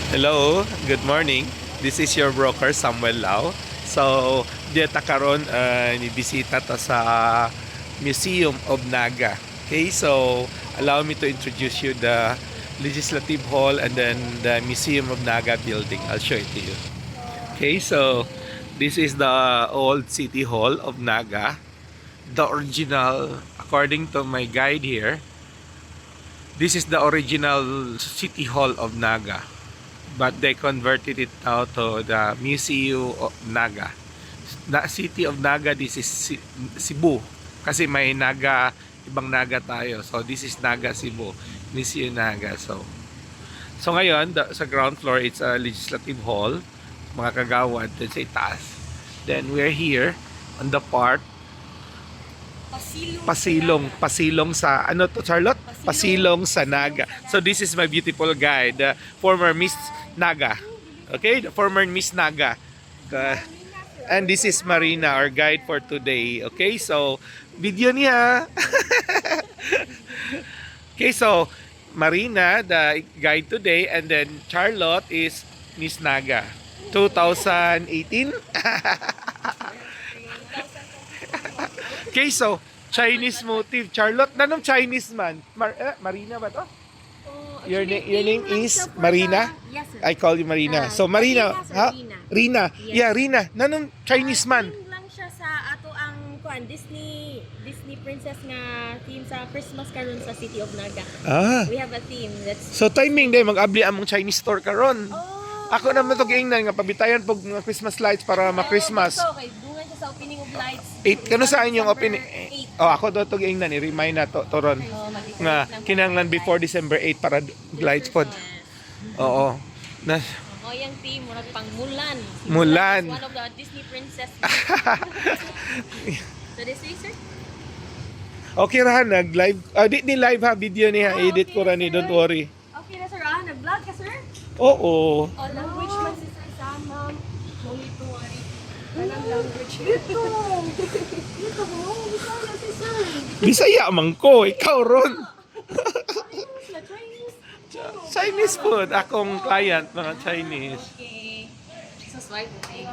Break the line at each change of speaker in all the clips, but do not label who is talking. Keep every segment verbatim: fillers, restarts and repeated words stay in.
Hello, good morning. This is your broker Samuel Lau. So, dito karon uh, ni bisita ta sa Museum of Naga. Okay, so allow me to introduce you the Legislative Hall and then the Museum of Naga building. I'll show it to you. Okay, so this is the old City Hall of Naga. The original, according to my guide here, this is the original City Hall of Naga, but they converted it now to the Museum of Naga. Na City of Naga, this is Cebu. Kasi may Naga, ibang Naga tayo. So this is Naga Cebu, Museum Naga. So So ngayon, the, sa ground floor, it's a legislative hall, mga kagawad, dun sa itaas. Then we're here on the part
Pasilong.
Pasilong, pasilong sa ano to, Charlotte? Pasilong sa Naga. So this is my beautiful guide, the former Miss Naga. Okay, the former Miss Naga. Uh, and this is Marina, our guide for today. Okay, so video niya. Okay, so Marina, the guide today, and then Charlotte is Miss Naga. twenty eighteen. Okay, so Chinese motive. Charlotte, nanong Chinese man? Mar eh, Marina ba to?
Oh,
Your, na-
actually,
your name
lang
is
siya for
Marina?
the- Yes, sir.
I call you Marina.
Ah,
So Marina,
Marina, sir,
ha?
Rina.
Rina.
Yes.
Yeah, Rina. Nanong Chinese man?
Theme lang siya sa ato ang kuan Disney Disney princess nga theme sa Christmas karon sa City of Naga.
Ah.
We have a theme that's
So timing day mag-abli among Chinese store karon.
Oh.
Ako naman to giingnan nga pabitayan pog mga Christmas lights para ma-Christmas.
Oh, okay, bunga siya sa opening of lights.
Eight kano sa inyong
December
opening?
eight.
Oh, ako do to giingnan ni remind na to toron
Oh, mag-decorate
nga
lang po
kinahanglan
ng
before
lights.
December eight para lights pod.
Yes.
Oo. Na
Oh, yung theme murag pang Mulan. Si
Mulan.
is one of the Disney princess. So this way, sir?
Okay ra nag-live. Ah, di, di live ha video niya.
Ah,
Edit
okay,
ko ra ni,
sir.
don't worry.
Okay na, sir. Ah, nag-vlog ka, sir?
Oo.
Oh, language man si Sir Sam, ma'am. Holy to worry. Anong language? Dito! Dito mo? Bisaya si Sir.
Bisaya man ko, ikaw ron.
Chinese na Chinese.
Chinese food, akong client mga Chinese.
Okay. So, swipe. Okay.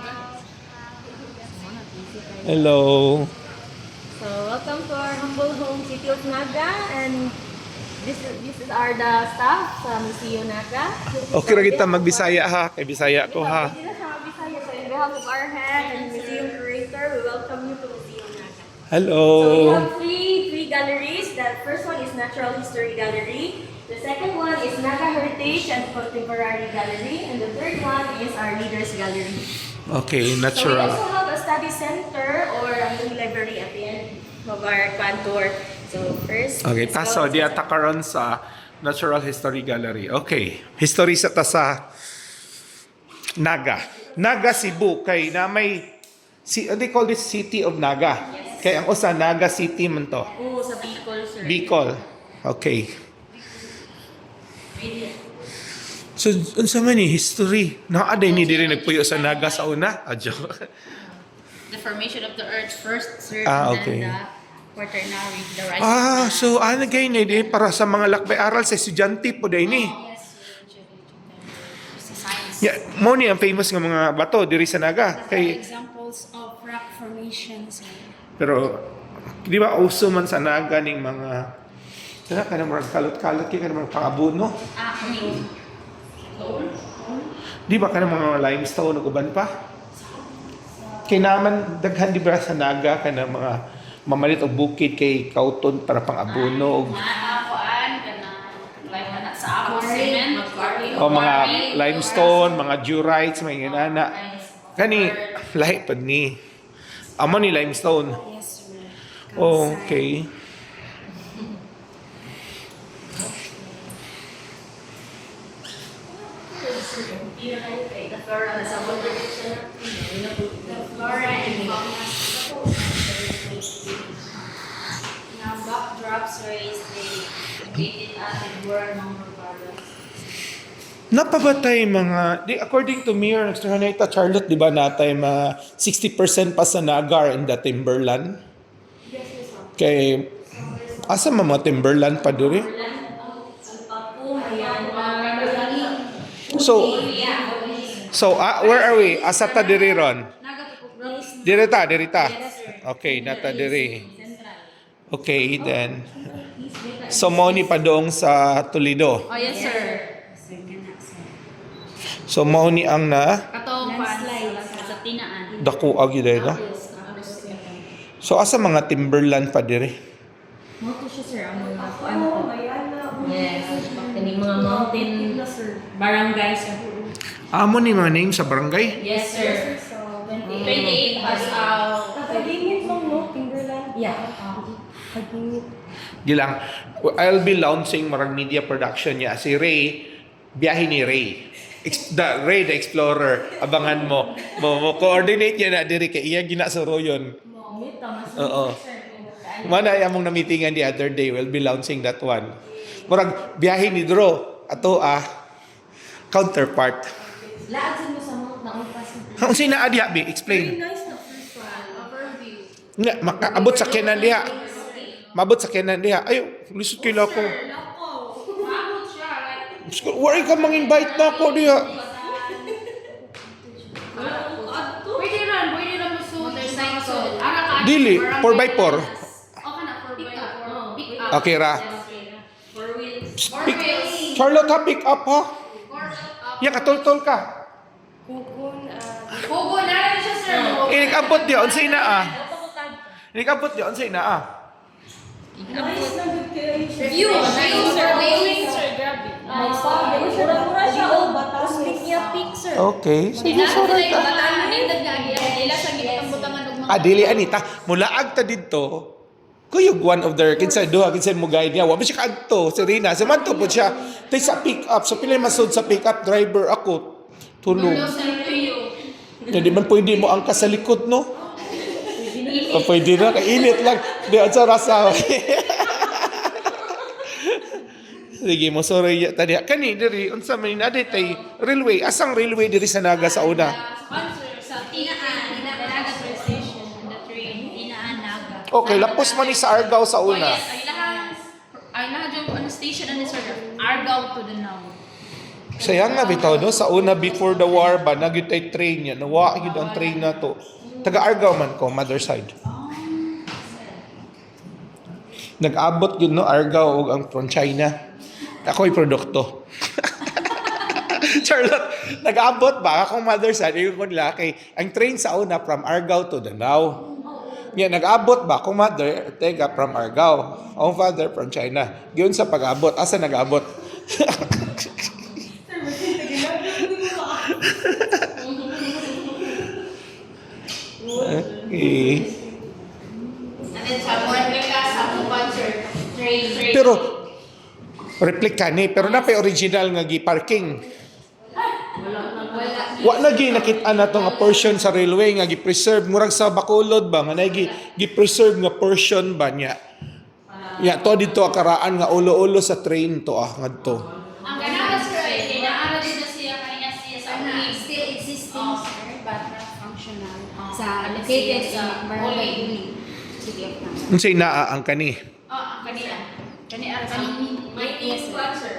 Hello.
So, welcome to our humble home, City of Naga. And this is, this is our the staff sa Museo Naga.
Okay ra kita magbisaya ha, kay Bisaya ko ha.
Hindi na siya magbisaya. So, in behalf of our head and museum curator, we welcome you to Museo Naga.
Hello.
So we have three three galleries. The first one is Natural History Gallery. The second one is Naga Heritage and Contemporary Gallery. And the third one is our Leaders Gallery.
Okay,
So we
natural.
also have a study center or a mini library at the end of our tour. So first,
Okay,
let's
taso
go.
di ata karon sa Natural History Gallery. Okay, history sa ta sa Naga. Naga Cebu kay na may si they call this City of Naga. Kay ang usa Naga City man to.
Oo, sa Bicol, sir.
Bicol. Okay. So, unsa man ni history? Naaday ni diri nagpuyo sa Naga sa una. Ah, joke.
The formation of the earth first, sir,
Ah,
and
okay.
then the quaternary, the rising
Ah,
sun.
so ano gay ni di para sa mga lakbay aral sa estudyante po day ni.
Yes, sir. It's a science.
Yeah, mo ni ang famous nga mga bato diri sa Naga. Kay
Examples of rock formations.
pero di ba uso man sa Naga ning mga sana ka na mga kalot-kalot kay ka na mga pangabuno.
Ah, okay.
Di ba ka na mga limestone ug uban pa? Kay naman daghan di ba sa Naga ka na mga mamalit og bukid kay kauton para pangabuno og
Maakuan, kana, like na sa apple cement,
o mga limestone, mga durites, mga inana. Kani lahi pad ni. Amo ni limestone.
Yes, sir.
Oh, okay.
The flora and fauna. The flora and fauna.
Now, backdrops raised the gated acid world number products.
Napabatay mga, di, according to Mayor Extrahaneta Charlotte, di ba natay mga sixty percent pa sa Nagar in the Timberland?
Yes, yes, ma'am.
Kay, asa mga Timberland pa duri?
Ang papo, ayan, uh,
So, so ah, where are we? Asa ta diri ron? Dirita, dirita. Okay, nata diri. Okay, then. So, mo ni padong sa Toledo.
Oh, yes, sir.
So, mo ni ang na
Katong fans sa tinaan.
dako agi dahil, no? So, asa mga timberland pa diri?
Moto siya, sir. Ang mga
Oh,
ano po.
ayan na.
Yes. Kaning mga mountain barangays.
Amo ni mga name sa barangay?
Yes, sir.
So,
twenty-eight pass out.
Pagpagingit lang, no? Timberland.
Yeah.
Pagpagingit.
Gilang, I'll be launching marang media production niya. Si Ray, biyahe ni Ray. Ex- the, Ray the Explorer. Abangan mo. Mo, mo coordinate niya na diri kay iya ginasuro yun. Oo. Mana among na-meetingan the other day, we'll be launching that one. Murag biyahe ni Dro. Ato ah, counterpart.
Laagsan mo sa mga naumpas.
Ang sina adi abi, explain. Nga, makaabot sa kenan diha. Mabot sa kenan diha. Ay, lisod kila ko. Wari ka mang-invite na ako diha.
Pwede rin, pwede rin mo motorcycle. Ara ka.
Dili, four by four.
Okay na, four by four. Pick up.
Okay ra.
Four wheels. Four
Pick,
wheels.
Charlotte ha, pick up ha.
Four up.
Ya, katol-tol ka.
Kukun, ah,
Hugo na rin siya, sir.
Inikabot diya, unsay na ah. Inikabot diya, unsay na ah.
nice na good kayo siya.
View. Nice, sir. Wheels, sir. Grabe.
Ah, mura-mura siya, oh, batas. Pick niya, pick, sir.
Okay. Sige,
Dinaan
sorry
sila yung
ka.
bataan. Nindad nga. Ila sa gitang butangan ng mga...
Ah, dili anita, mulaag ta didto. Kuyog one of their kinsa duha kinsa mo guide niya. Wa man siya kadto, si Rina. Sa man to po siya. Tay sa pick up, so pila masud sa pick up driver ako. Tulong.
Tulo sa iyo.
Hindi man pwede mo angkas sa likod, no? O pwede na, kainit lang. Di, ang sa rasa. Sige mo, sorry. Tadi, kani, diri, unsa man na tay railway. Asang railway diri sa Naga sa una?
Sponsor sa Tinaan. Naga train station. The train. Tinaan, Naga.
Okay, lapos man ni sa Argao sa
Oh,
una.
yes. Ay lahat. Ay lahat yung ano, station and sir. Argao to the now.
Sayang nga bitaw, no? Sa una, before the war ba, nagyut ay train yan. Nawa yun ang train na to. Taga Argao man ko, mother side. Nag-abot yun, no? Argao o ang from China. Ako'y produkto. Charlotte, nag-abot ba? Akong mother side, yung kung laki. Ang train sa una, from Argao to Danao. Yan, nag-abot ba? Kung mother, tega, from Argao. Ang father, from China. Yun sa pag-abot. Asa nag-abot? Okay.
And then sa replica sa sponsor. Train, train.
Pero, replika ni, pero na pa original nga gi-parking.
Wala.
Wa na gi nakita na to nga portion sa railway nga gi-preserve murag sa Bacolod ba nga na gi gi-preserve nga portion ba niya. Ya to dito akaraan nga ulo-ulo sa train to ah ngadto.
Ang ganahan sir ay kailangan din na siya kanya siya sa
Ano,
uling.
still existing, sir, but not functional. Sa
Ano
located
siya
sa
sa
Barangay
Uling.
Uling, City of Naga.
Unsay naa ang kani?
Oh, ang kanila. Kani ara sa
May
yes, sponsor.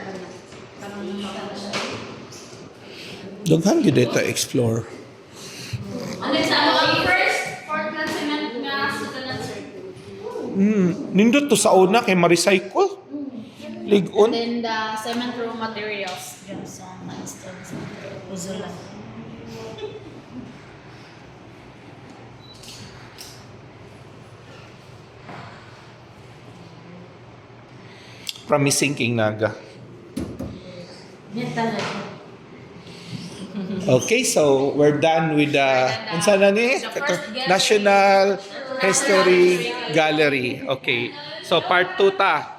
Daghan gyud dito explore.
Ano sa ang first Portland cement nga sa tanan sir.
Hmm, nindot to sa una kay ma-recycle.
And
Ligon.
then the cement raw materials dyan sa Manston sa Uzulan.
Promising King Naga.
Yan talaga.
Okay, so we're done with the unsa na ni National History Gallery. Okay. So part two ta.